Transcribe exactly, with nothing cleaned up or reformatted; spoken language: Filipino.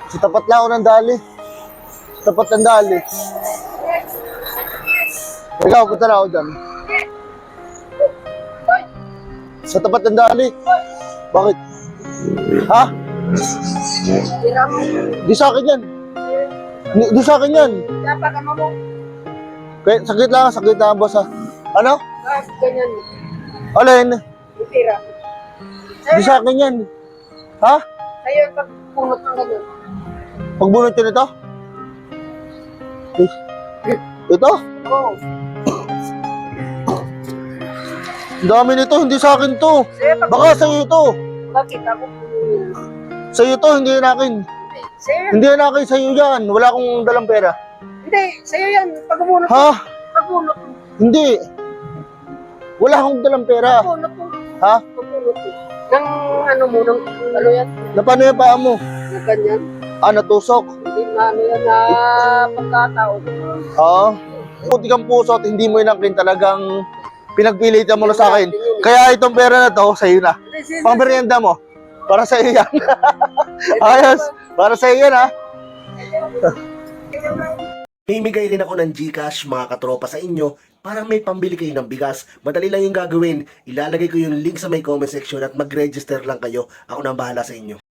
Sa tapat lang ako ng dali. Sa tapat ng dali. Ikaw, punta na ako dyan. Sa tapat ng dali. Bakit? Ha? Di sa akin yan. Di, di sa akin yan. Dapat ka mo. Kaya, sakit lang, sakit lang, boss ha. Ano? Ah, ganyan. Alin? Tira. Di sa akin yan. Ha? Sa'yo yung pagpunot ng ganyan. Pagbunot yun ito? Eh, ito? Oo. Ang dami nito, hindi sa akin to. Sa'yo pag... Baka sa'yo ito. Bakit ako? Sa'yo to, hindi yan akin. Sa'yo yan. Hindi yan akin, sa'yo yan. Wala akong dalang pera. Hindi, sa'yo yan. Pagpunot. Ha? Pagpunot. Hindi. Wala akong dalang pera. Pagpunot mo. Ha? Pagpunot mo. Nang ano mo, nang ano yan? Na paano yung paa mo? Na ganyan. Ah, natusok. Hindi na ano yan na pagkataon. Ha? Puti kang puso at hindi mo inakin talagang pinagpilitan mo na sa akin. Kaya itong pera na to, sa'yo na. Pang merienda mo. Para sa'yo yan. Ayos. Para sa'yo yan ha. Mimigay rin ako ng GCash mga katropa sa inyo para may pambili kayo ng bigas. Madali lang yung gagawin. Ilalagay ko yung link sa may comment section at mag-register lang kayo. Ako nang bahala sa inyo.